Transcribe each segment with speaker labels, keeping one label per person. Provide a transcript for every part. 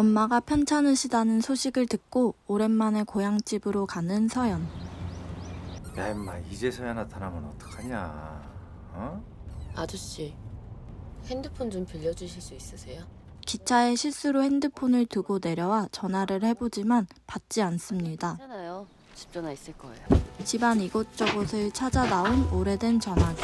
Speaker 1: 엄마가 편찮으시다는 소식을 듣고 오랜만에 고향집으로 가는 서연.
Speaker 2: 야 임마 이제서야 나타나면 어떡하냐. 어?
Speaker 3: 아저씨, 핸드폰 좀 빌려주실 수 있으세요?
Speaker 1: 기차에 실수로 핸드폰을 두고 내려와 전화를 해보지만 받지 않습니다.
Speaker 3: 괜찮아요. 집 전화 있을 거예요.
Speaker 1: 집안 이곳저곳을 찾아 나온 오래된 전화기.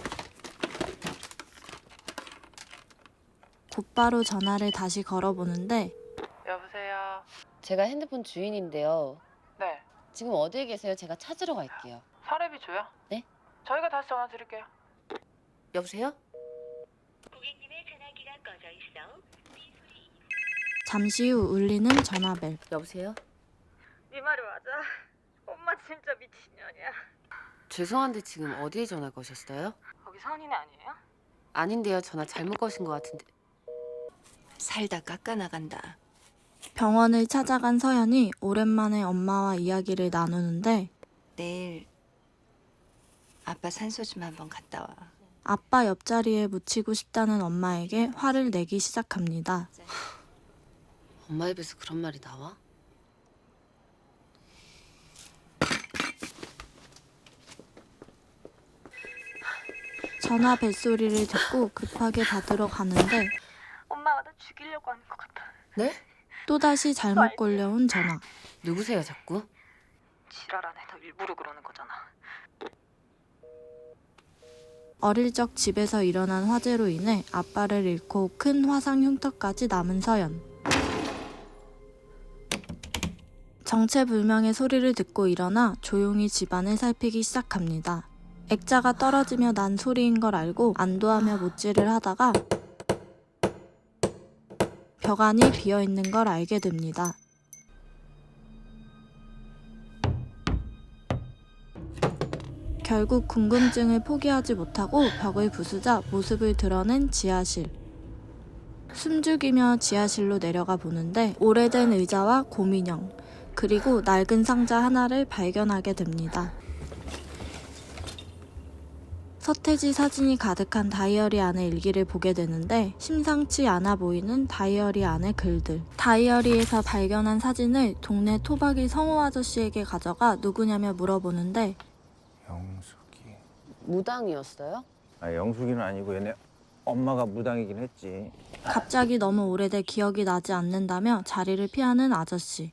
Speaker 1: 곧바로 전화를 다시 걸어보는데
Speaker 4: 여보세요.
Speaker 3: 제가 핸드폰 주인인데요.
Speaker 4: 네.
Speaker 3: 지금 어디에 계세요? 제가 찾으러 갈게요.
Speaker 4: 사례비 줘요?
Speaker 3: 네?
Speaker 4: 저희가 다시 전화 드릴게요.
Speaker 3: 여보세요?
Speaker 5: 고객님의 전화기가 꺼져 있어.
Speaker 1: 잠시 후 울리는 전화벨.
Speaker 3: 여보세요?
Speaker 4: 네 말이 맞아. 엄마 진짜 미친년이야.
Speaker 3: 죄송한데 지금 어디에 전화 거셨어요?
Speaker 4: 거기 선인이 아니에요?
Speaker 3: 아닌데요. 전화 잘못 거신 것 같은데.
Speaker 6: 살다 깎아나간다.
Speaker 1: 병원을 찾아간 서연이 오랜만에 엄마와 이야기를 나누는데
Speaker 6: 내일 아빠 산소 좀 한번 갔다 와.
Speaker 1: 아빠 옆자리에 묻히고 싶다는 엄마에게 화를 내기 시작합니다.
Speaker 3: 엄마 입에서 그런 말이 나와?
Speaker 1: 전화 벨소리를 듣고 급하게 받으러 가는데
Speaker 4: 엄마가 나 죽이려고 하는 것 같아.
Speaker 3: 네?
Speaker 1: 또다시 잘못 걸려온 전화.
Speaker 3: 누구세요 자꾸?
Speaker 4: 지랄하네. 너 일부러 그러는 거잖아.
Speaker 1: 어릴 적 집에서 일어난 화재로 인해 아빠를 잃고 큰 화상 흉터까지 남은 서연. 정체불명의 소리를 듣고 일어나 조용히 집안을 살피기 시작합니다. 액자가 떨어지며 난 소리인 걸 알고 안도하며 못질을 하다가 벽안이 비어있는 걸 알게 됩니다. 결국 궁금증을 포기하지 못하고 벽을 부수자 모습을 드러낸 지하실. 숨죽이며 지하실로 내려가 보는데 오래된 의자와 곰인형, 그리고 낡은 상자 하나를 발견하게 됩니다. 서태지 사진이 가득한 다이어리 안의 일기를 보게 되는데 심상치 않아 보이는 다이어리 안의 글들. 다이어리에서 발견한 사진을 동네 토박이 성우 아저씨에게 가져가 누구냐며 물어보는데
Speaker 2: 영숙이.
Speaker 3: 무당이었어요?
Speaker 2: 아 영숙이는 아니고 얘네 엄마가 무당이긴 했지.
Speaker 1: 갑자기 너무 오래돼 기억이 나지 않는다며 자리를 피하는 아저씨.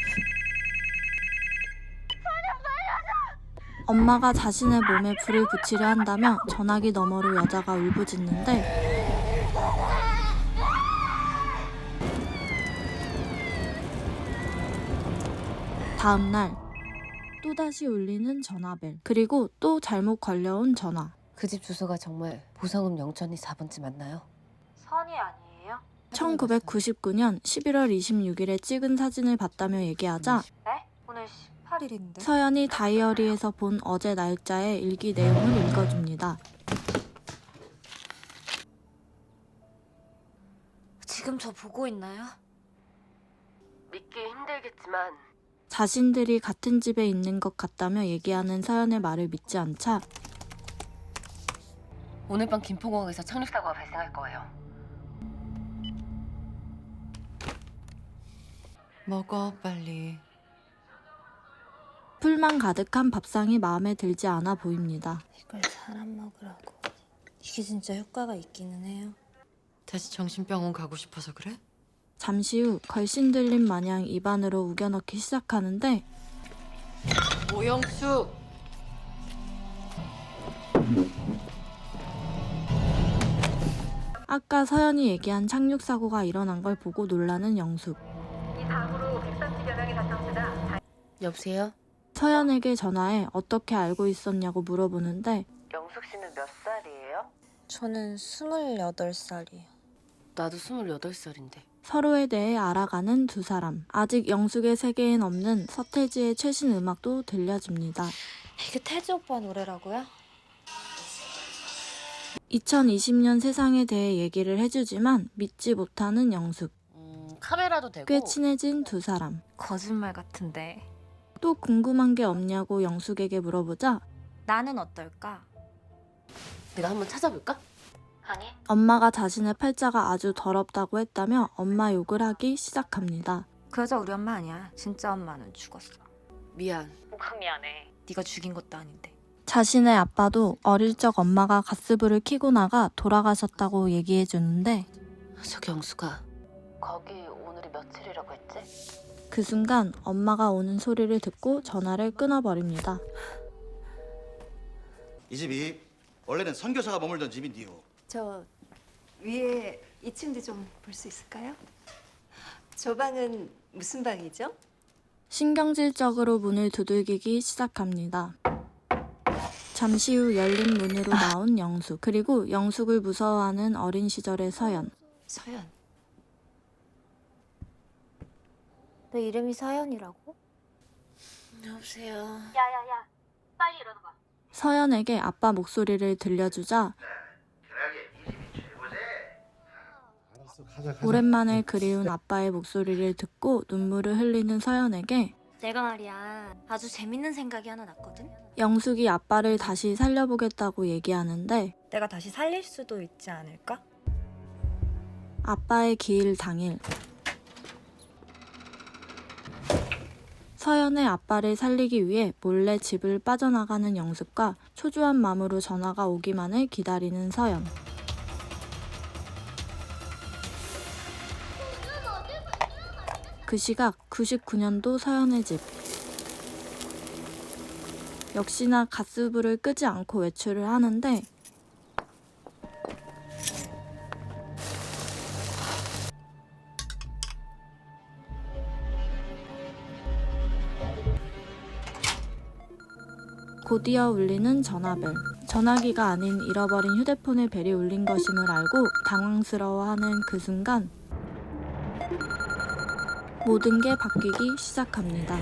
Speaker 1: 엄마가 자신의 몸에 불을 붙이려 한다며 전화기 너머로 여자가 울부짖는데 다음날 또다시 울리는 전화벨. 그리고 또 잘못 걸려온 전화.
Speaker 3: 그 집 주소가 정말 보성읍 영천리 4번지 맞나요?
Speaker 4: 선이 아니에요?
Speaker 1: 1999년 11월 26일에 찍은 사진을 봤다며 얘기하자
Speaker 4: 네? 오늘 18일인데.
Speaker 1: 서연이 다이어리에서 본 어제 날짜의 일기 내용을 읽어줍니다.
Speaker 6: 지금 저 보고 있나요?
Speaker 3: 믿기 힘들겠지만
Speaker 1: 자신들이 같은 집에 있는 것 같다며 얘기하는 서연의 말을 믿지 않자
Speaker 3: 오늘 밤 김포공항에서 착륙사고가 발생할 거예요.
Speaker 6: 먹어 빨리.
Speaker 1: 풀만 가득한 밥상이 마음에 들지 않아 보입니다.
Speaker 7: 이걸 사람 먹으라고. 이게 진짜 효과가 있기는 해요.
Speaker 6: 다시 정신병원 가고 싶어서 그래?
Speaker 1: 잠시 후 걸신 들림 마냥 입안으로 우겨넣기 시작하는데
Speaker 6: 오영숙!
Speaker 1: 아까 서연이 얘기한 착륙사고가 일어난 걸 보고 놀라는 영숙.
Speaker 3: 여보세요?
Speaker 1: 서연에게 전화해 어떻게 알고 있었냐고 물어보는데
Speaker 3: 영숙 씨는 몇 살이에요?
Speaker 7: 저는 28살이에요.
Speaker 3: 나도 28살인데.
Speaker 1: 서로에 대해 알아가는 두 사람. 아직 영숙의 세계엔 없는 서태지의 최신 음악도 들려집니다.
Speaker 7: 이게 태지 오빠 노래라고요?
Speaker 1: 2020년 세상에 대해 얘기를 해주지만 믿지 못하는 영숙.
Speaker 3: 카메라도 되고.
Speaker 1: 꽤 친해진 두 사람.
Speaker 8: 거짓말 같은데.
Speaker 1: 또 궁금한 게 없냐고 영숙에게 물어보자
Speaker 8: 나는 어떨까?
Speaker 3: 내가 한번 찾아볼까?
Speaker 5: 아니,
Speaker 1: 엄마가 자신의 팔자가 아주 더럽다고 했다며 엄마 욕을 하기 시작합니다.
Speaker 8: 그 여자 우리 엄마 아니야. 진짜 엄마는 죽었어.
Speaker 3: 미안.
Speaker 8: 뭐가 미안해. 네가 죽인 것도 아닌데.
Speaker 1: 자신의 아빠도 어릴 적 엄마가 가스불을 켜고 나가 돌아가셨다고 얘기해주는데
Speaker 3: 저기 영수가 거기 오늘이 며칠이라고 했지?
Speaker 1: 그 순간 엄마가 오는 소리를 듣고 전화를 끊어버립니다.
Speaker 9: 이 집이 원래는 선교사가 머물던 집인데요.
Speaker 6: 저 위에 2층도 좀 볼 수 있을까요? 저 방은 무슨 방이죠?
Speaker 1: 신경질적으로 문을 두들기기 시작합니다. 잠시 후 열린 문으로 나온 영숙, 그리고 영숙을 무서워하는 어린 시절의 서연.
Speaker 6: 서연.
Speaker 7: 너 이름이 서연이라고?
Speaker 3: 여보세요.
Speaker 5: 야야야, 빨리 일어나봐.
Speaker 1: 서연에게 아빠 목소리를 들려주자 오랜만에 그리운 아빠의 목소리를 듣고 눈물을 흘리는 서연에게
Speaker 7: 내가 말이야 아주 재밌는 생각이 하나 났거든?
Speaker 1: 영숙이 아빠를 다시 살려보겠다고 얘기하는데
Speaker 7: 내가 다시 살릴 수도 있지 않을까?
Speaker 1: 아빠의 기일 당일 서연의 아빠를 살리기 위해 몰래 집을 빠져나가는 영숙과 초조한 마음으로 전화가 오기만을 기다리는 서연. 그 시각 99년도 서연의 집. 역시나 가스불을 끄지 않고 외출을 하는데 곧이어 울리는 전화벨. 전화기가 아닌 잃어버린 휴대폰의 벨이 울린 것임을 알고 당황스러워하는 그 순간 모든 게 바뀌기 시작합니다.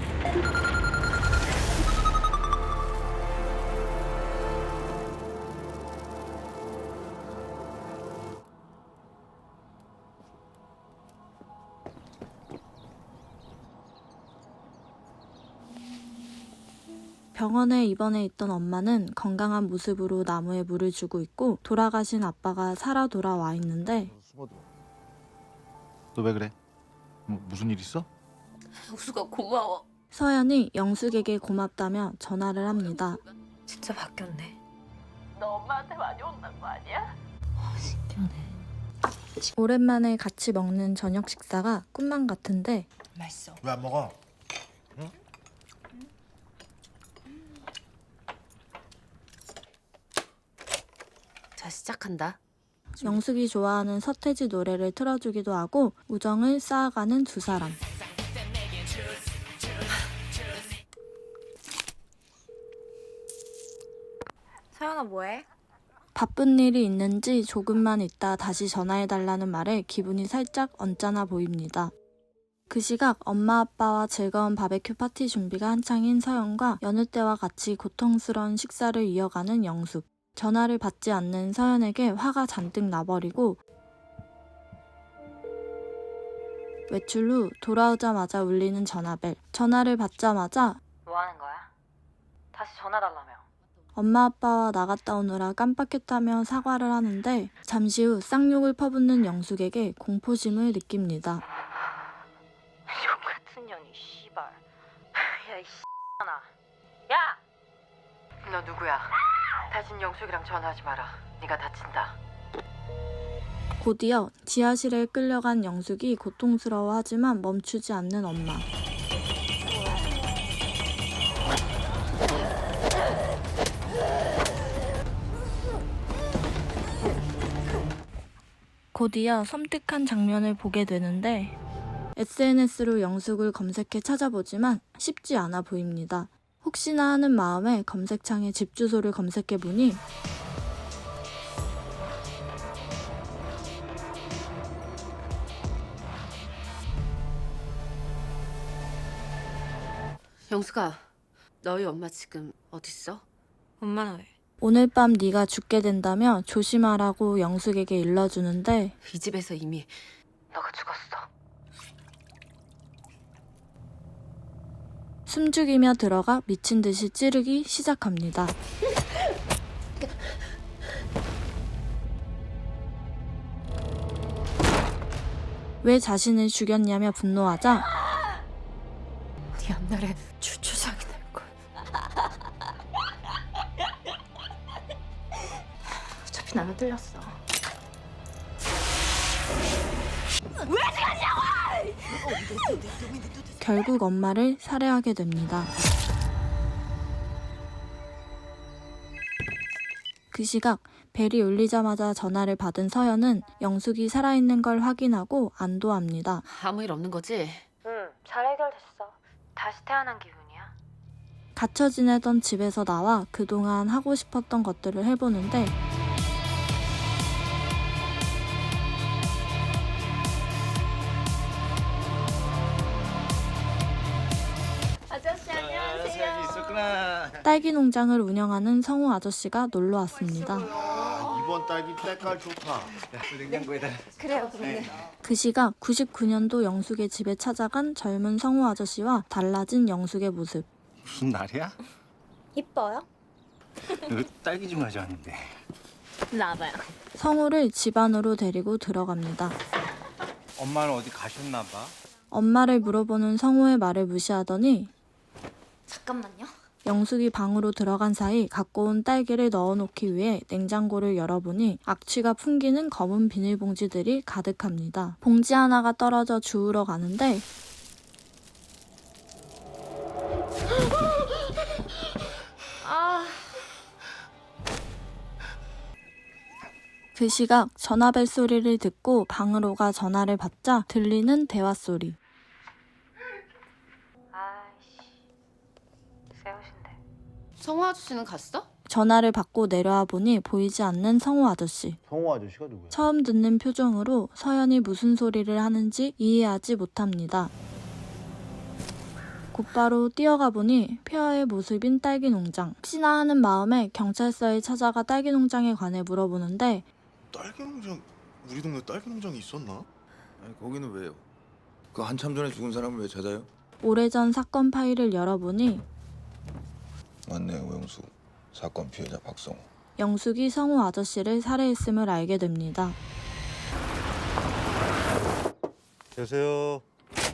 Speaker 1: 병원에 입원해 있던 엄마는 건강한 모습으로 나무에 물을 주고 있고 돌아가신 아빠가 살아 돌아와 있는데
Speaker 10: 너 왜 그래? 무슨 일 있어?
Speaker 3: 영수가 고마워.
Speaker 1: 서연이 영숙에게 고맙다며 전화를 합니다.
Speaker 8: 진짜 바뀌었네.
Speaker 5: 너 엄마한테 많이 혼난 거 아니야?
Speaker 1: 오랜만에 같이 먹는 저녁 식사가 꿈만 같은데
Speaker 6: 맛있어.
Speaker 10: 왜 안 먹어?
Speaker 3: 자, 시작한다.
Speaker 1: 영숙이 좋아하는 서태지 노래를 틀어주기도 하고 우정을 쌓아가는 두 사람.
Speaker 8: 서연아 뭐해?
Speaker 1: 바쁜 일이 있는지 조금만 있다 다시 전화해달라는 말에 기분이 살짝 언짢아 보입니다. 그 시각 엄마 아빠와 즐거운 바베큐 파티 준비가 한창인 서연과 여느 때와 같이 고통스러운 식사를 이어가는 영숙. 전화를 받지 않는 서연에게 화가 잔뜩 나버리고 외출 후 돌아오자마자 울리는 전화벨. 전화를 받자마자
Speaker 8: 뭐 하는 거야? 다시 전화 달라며.
Speaker 1: 엄마 아빠와 나갔다 오느라 깜빡했다며 사과를 하는데 잠시 후 쌍욕을 퍼붓는 영숙에게 공포심을 느낍니다.
Speaker 8: 용 같은 년이 씨발. 야이 씨나. 야! 너 누구야? 다신 영숙이랑 전화하지 마라. 네가 다친다.
Speaker 1: 곧이어 지하실에 끌려간 영숙이 고통스러워하지만 멈추지 않는 엄마. 곧이어 섬뜩한 장면을 보게 되는데 SNS로 영숙을 검색해 찾아보지만 쉽지 않아 보입니다. 혹시나 하는 마음에 검색창에 집 주소를 검색해보니
Speaker 3: 영수가 너희 엄마 지금 어딨어?
Speaker 8: 엄마는 왜?
Speaker 1: 오늘 밤 네가 죽게 된다며 조심하라고 영숙에게 일러주는데
Speaker 3: 이 집에서 이미
Speaker 8: 너가 죽었어.
Speaker 1: 숨죽이며 들어가 미친 듯이 찌르기 시작합니다. 왜 자신을 죽였냐며 분노하자
Speaker 3: 네 앞날에 추추상이 날걸. 어차피 나는 틀렸어.
Speaker 1: 결국 엄마를 살해하게 됩니다. 그 시각 벨이 울리자마자 전화를 받은 서연은 영숙이 살아있는 걸 확인하고 안도합니다.
Speaker 3: 아무 일 없는 거지?
Speaker 8: 응, 잘 해결됐어. 다시 태어난 기분이야.
Speaker 1: 갇혀 지내던 집에서 나와 그동안 하고 싶었던 것들을 해보는데
Speaker 6: 아저씨 안녕하세요.
Speaker 2: 있었구나.
Speaker 1: 딸기 농장을 운영하는 성우 아저씨가 놀러 왔습니다.
Speaker 10: 이번 딸기 때깔 좋다.
Speaker 2: 냉장고에다.
Speaker 6: 그래요, 그러네.
Speaker 1: 그 시각 99년도 영숙의 집에 찾아간 젊은 성우 아저씨와 달라진 영숙의 모습.
Speaker 2: 무슨 날이야?
Speaker 7: 이뻐요?
Speaker 2: 너 딸기 좀 가져왔는데.
Speaker 8: 나와봐요.
Speaker 1: 성우를 집 안으로 데리고 들어갑니다.
Speaker 2: 엄마는 어디 가셨나 봐.
Speaker 1: 엄마를 물어보는 성우의 말을 무시하더니
Speaker 7: 잠깐만요.
Speaker 1: 영숙이 방으로 들어간 사이 갖고 온 딸기를 넣어놓기 위해 냉장고를 열어보니 악취가 풍기는 검은 비닐봉지들이 가득합니다. 봉지 하나가 떨어져 주우러 가는데 그 시각 전화벨 소리를 듣고 방으로 가 전화를 받자 들리는 대화 소리.
Speaker 8: 아이씨. 세우신데.
Speaker 3: 성우 아저씨는 갔어?
Speaker 1: 전화를 받고 내려와 보니 보이지 않는 성우 아저씨.
Speaker 10: 성우 아저씨가 누구야?
Speaker 1: 처음 듣는 표정으로 서연이 무슨 소리를 하는지 이해하지 못합니다. 곧바로 뛰어가 보니 폐하의 모습인 딸기 농장. 혹시나 하는 마음에 경찰서에 찾아가 딸기 농장에 관해 물어보는데
Speaker 10: 딸기 농장, 우리 동네 딸기 농장이 있었나? 아니 거기는 왜요? 그 한참 전에 죽은 사람을 왜 찾아요?
Speaker 1: 오래전 사건 파일을 열어보니
Speaker 10: 맞네요, 오영수. 사건 피해자 박성호.
Speaker 1: 영숙이 성우 아저씨를 살해했음을 알게 됩니다.
Speaker 10: 계세요.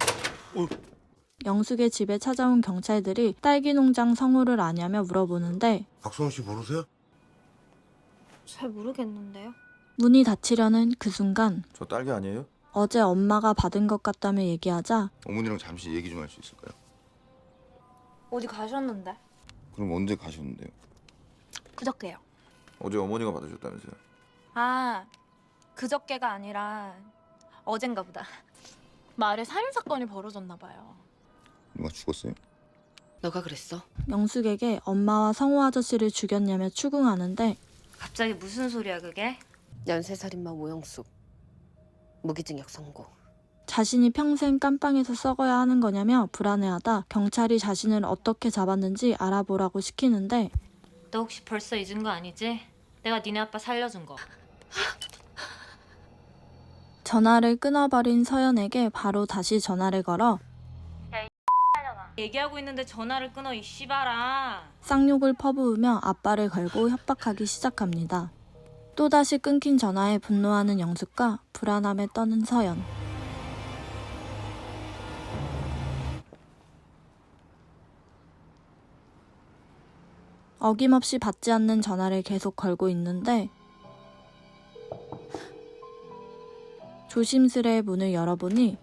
Speaker 1: 영숙의 집에 찾아온 경찰들이 딸기 농장 성우를 아냐며 물어보는데
Speaker 10: 박성호 씨 모르세요?
Speaker 7: 잘 모르겠는데요.
Speaker 1: 문이 닫히려는 그 순간
Speaker 10: 저 딸기 아니에요?
Speaker 1: 어제 엄마가 받은 것 같다며 얘기하자
Speaker 10: 어머니랑 잠시 얘기 좀 할 수 있을까요?
Speaker 7: 어디 가셨는데?
Speaker 10: 그럼 언제 가셨는데요?
Speaker 7: 그저께요.
Speaker 10: 어제 어머니가 받으셨다면서요?
Speaker 7: 아, 그저께가 아니라 어젠가 보다. 마을에 살인사건이 벌어졌나 봐요.
Speaker 10: 누가 죽었어요?
Speaker 3: 너가 그랬어?
Speaker 1: 영숙에게 엄마와 성우 아저씨를 죽였냐며 추궁하는데
Speaker 8: 갑자기 무슨 소리야 그게?
Speaker 3: 연쇄살인마 오영숙. 무기징역 선고.
Speaker 1: 자신이 평생 깜빵에서 썩어야 하는 거냐며 불안해하다 경찰이 자신을 어떻게 잡았는지 알아보라고 시키는데
Speaker 8: 너 혹시 벌써 잊은 거 아니지? 내가 니네 아빠 살려준 거.
Speaker 1: 전화를 끊어버린 서연에게 바로 다시 전화를 걸어
Speaker 8: 얘기하고 있는데 전화를 끊어 이 씨발아.
Speaker 1: 쌍욕을 퍼부으며 아빠를 걸고 협박하기 시작합니다. 또다시 끊긴 전화에 분노하는 영숙과 불안함에 떠는 서연. 어김없이 받지 않는 전화를 계속 걸고 있는데 조심스레 문을 열어보니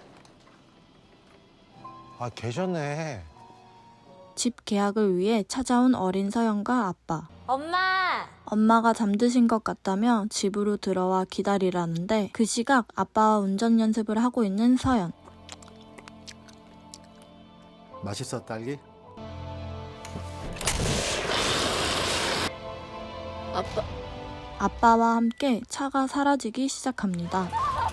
Speaker 2: 아 계셨네.
Speaker 1: 집 계약을 위해 찾아온 어린 서연과 아빠.
Speaker 7: 엄마!
Speaker 1: 엄마가 잠드신 것 같다며 집으로 들어와 기다리라는데 그 시각 아빠와 운전 연습을 하고 있는 서연.
Speaker 10: 맛있어 딸기?
Speaker 1: 아빠와 함께 차가 사라지기 시작합니다.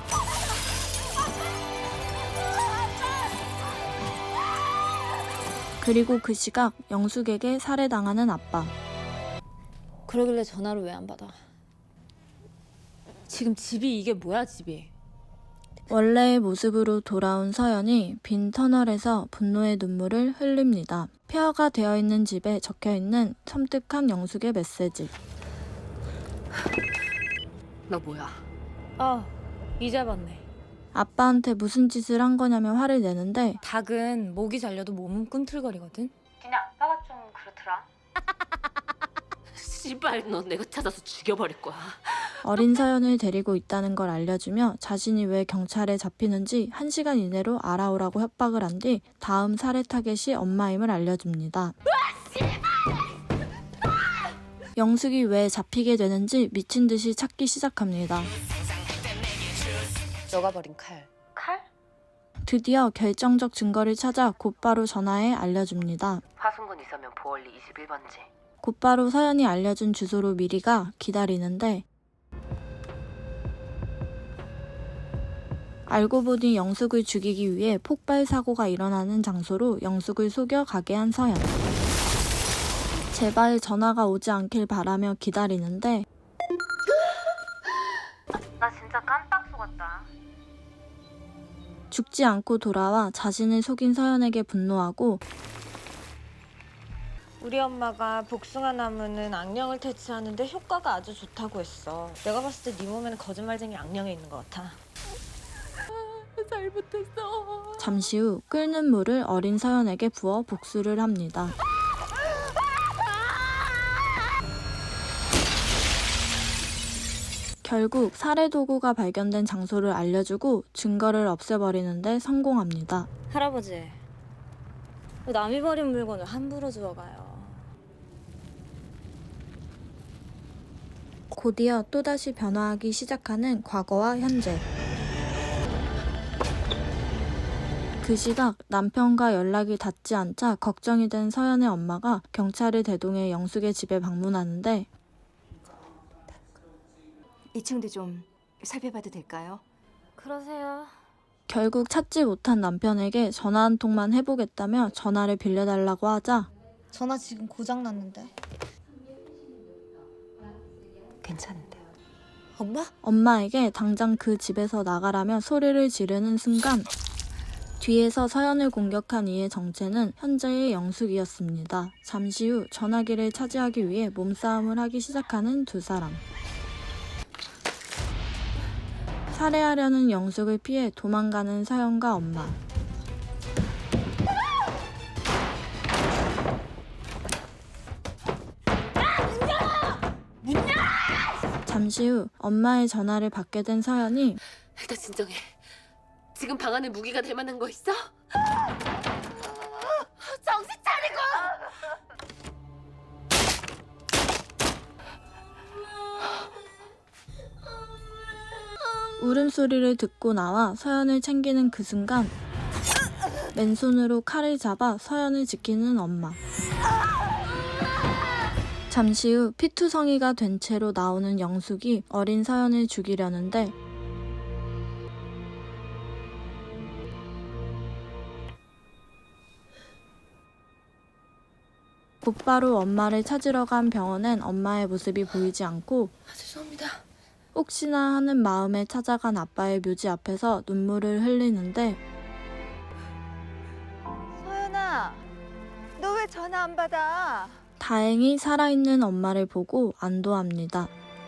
Speaker 1: 그리고 그 시각 영숙에게 살해당하는 아빠.
Speaker 7: 그러길래 전화를 왜 안 받아?
Speaker 3: 지금 집이 이게 뭐야 집이?
Speaker 1: 원래의 모습으로 돌아온 서연이 빈 터널에서 분노의 눈물을 흘립니다. 폐허가 되어 있는 집에 적혀 있는 섬뜩한 영숙의 메시지.
Speaker 3: 너 뭐야?
Speaker 7: 아, 이제 봤네.
Speaker 1: 아빠한테 무슨 짓을 한 거냐며 화를 내는데
Speaker 7: 닭은 목이 잘려도 몸은 꿈틀거리거든.
Speaker 5: 니네 아빠가 좀 그렇더라.
Speaker 3: 씨발, 너 내가 찾아서 죽여버릴 거야.
Speaker 1: 어린 서연을 데리고 있다는 걸 알려주며 자신이 왜 경찰에 잡히는지 1시간 이내로 알아오라고 협박을 한 뒤 다음 살해 타겟이 엄마임을 알려줍니다. 영숙이 왜 잡히게 되는지 미친 듯이 찾기 시작합니다.
Speaker 3: 너가 버린 칼.
Speaker 5: 칼?
Speaker 1: 드디어 결정적 증거를 찾아 곧바로 전화해 알려줍니다.
Speaker 3: 화순군 있으면 보월리 21번지.
Speaker 1: 곧바로 서연이 알려준 주소로 미리가 기다리는데 알고 보니 영숙을 죽이기 위해 폭발 사고가 일어나는 장소로 영숙을 속여 가게 한 서연. 제발 전화가 오지 않길 바라며 기다리는데
Speaker 5: 나 진짜 깜빡 속았다.
Speaker 1: 죽지 않고 돌아와 자신을 속인 서연에게 분노하고
Speaker 7: 우리 엄마가 복숭아 나무는 악령을 퇴치하는데 효과가 아주 좋다고 했어. 내가 봤을 때 네 몸에는 거짓말쟁이 악령이 있는 것 같아.
Speaker 1: 잠시 후 끓는 물을 어린 서연에게 부어 복수를 합니다. 결국 살해 도구가 발견된 장소를 알려주고 증거를 없애버리는데 성공합니다.
Speaker 7: 할아버지, 왜 남이 버린 물건을 함부로 주워가요?
Speaker 1: 곧이어 또다시 변화하기 시작하는 과거와 현재. 그 시각 남편과 연락이 닿지 않자 걱정이 된 서연의 엄마가 경찰을 대동해 영숙의 집에 방문하는데
Speaker 6: 2층도 좀 살펴봐도 될까요?
Speaker 7: 그러세요.
Speaker 1: 결국 찾지 못한 남편에게 전화 한 통만 해보겠다며 전화를 빌려달라고 하자
Speaker 7: 전화 지금 고장 났는데.
Speaker 6: 괜찮은데요.
Speaker 7: 엄마?
Speaker 1: 엄마에게 당장 그 집에서 나가라며 소리를 지르는 순간 뒤에서 서연을 공격한 이의 정체는 현재의 영숙이었습니다. 잠시 후 전화기를 차지하기 위해 몸싸움을 하기 시작하는 두 사람. 살해하려는 영숙을 피해 도망가는 서연과 엄마. 잠시 후 엄마의 전화를 받게 된 서연이
Speaker 3: 일단 진정해. 지금 방 안에 무기가 될 만한 거 있어? 정신 차리고!
Speaker 1: 울음소리를 듣고 나와 서연을 챙기는 그 순간 맨손으로 칼을 잡아 서연을 지키는 엄마. 잠시 후 피투성이가 된 채로 나오는 영숙이 어린 서연을 죽이려는데 곧바로 엄마를 찾으러 간 병원엔 엄마의 모습이 보이지 않고
Speaker 3: 죄송합니다.
Speaker 1: 혹시나 하는 마음에 찾아간 아빠의 묘지 앞에서 눈물을 흘리는데
Speaker 6: 서연아, 너 왜 전화 안 받아?
Speaker 1: 다행히 살아있는 엄마를 보고 안도합니다.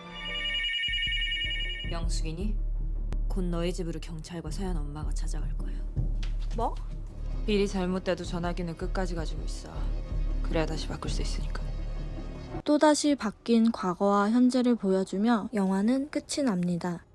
Speaker 7: 영숙이니? 곧 너희 집으로 경찰과 서연 엄마가 찾아갈 거야. 뭐?
Speaker 11: 일이 잘못돼도 전화기는 끝까지 가지고 있어. 그래야 다시 바꿀 수 있으니까.
Speaker 1: 또다시 바뀐 과거와 현재를 보여주며 영화는 끝이 납니다.